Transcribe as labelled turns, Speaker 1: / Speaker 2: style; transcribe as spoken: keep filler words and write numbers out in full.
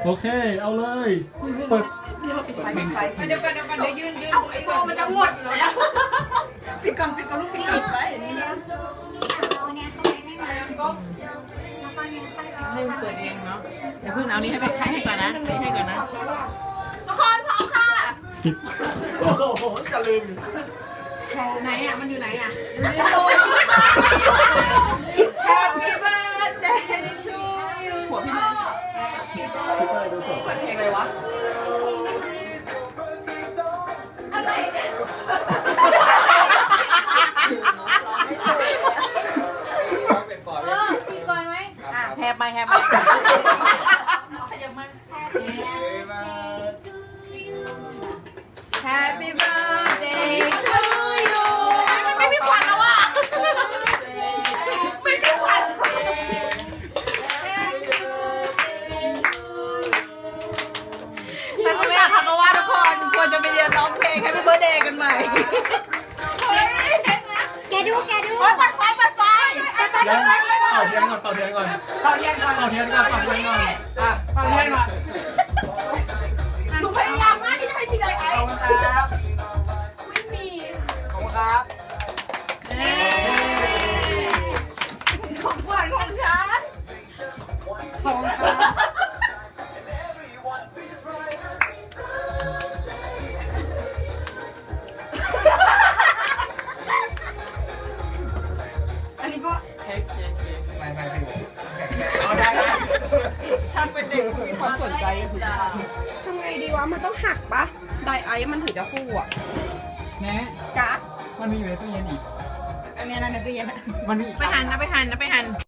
Speaker 1: โอเคเอาเลยเปิด
Speaker 2: เดี๋ยวปิดไฟปิดไฟเดี๋ยวก่อนเดี๋ยวก่อนเดี๋ยวยืนยืน
Speaker 3: เอาไอ้โบมันจะหมดอยู่แล้วนะ
Speaker 2: ปิดก่อนปิดก่อนลูกปิดก่อนไป ให้มันเปิดเองเนาะเดี๋ยวเพิ่งเอานี้ให้ไปให้ให้ก่อนนะให้ให้ก่อนนะ
Speaker 3: ทุกคนพร้อมค่ะ
Speaker 1: ปิดโอ้โหจะลืม
Speaker 2: ไหนอ่ะมันอยู่ไหนอ่ะ
Speaker 3: Happy birthday to you
Speaker 2: หัวพี่น้อง
Speaker 1: พี่เต้ยดูสด
Speaker 2: เปิดเพลงอะไรวะ
Speaker 3: อะไรเนี่ย
Speaker 2: เออปิดก่อนไหมอ่ะแฮปไปแฮปไปขยับมา
Speaker 3: Happy birthday to you มันไม่มีควันแล้วอ่ะไม่มีควันแต่คุณแม่ทักว่าทุกคนควรจะไปเรียนร้องเพลง Happy birthday กันใหม่
Speaker 4: แกดูแกดู
Speaker 3: โอ๊ยปัดไฟปัดไฟ
Speaker 1: ยังเป่าเทียนก่อนเป่าเทียนก่อน
Speaker 2: เป่าเทียนก่อน
Speaker 1: เป่าเทียนก่อนเป่าเทียนก่อน
Speaker 2: อ่ะเป่าเทียนก่อน
Speaker 3: หนูพยายามมากที่จะให้ทีไรไอ้
Speaker 2: ขอบคุณครับ
Speaker 3: ไม่มี
Speaker 2: ขอบคุณครับ
Speaker 3: ของขวัญของฉัน
Speaker 2: ขอบคุณครับ
Speaker 3: อันนี้ก็
Speaker 2: เค้กเค้กเค้ก
Speaker 5: ไม่ไม่พี่ผม
Speaker 2: เอาได้นะ
Speaker 3: ฉันเป็นเด็กมีความสนใจสุดยอดทำไงดีวะ มันต้องหักปะไดไอซ์มันถึงจะฟูอ่ะ
Speaker 2: แม่
Speaker 3: กั๊ก
Speaker 2: มันมีอยู่ในตู้เย็นอีก
Speaker 3: อันนี้นะในตู้เย็นอะ
Speaker 2: มันมีไปหันนะไปหันนะไปหัน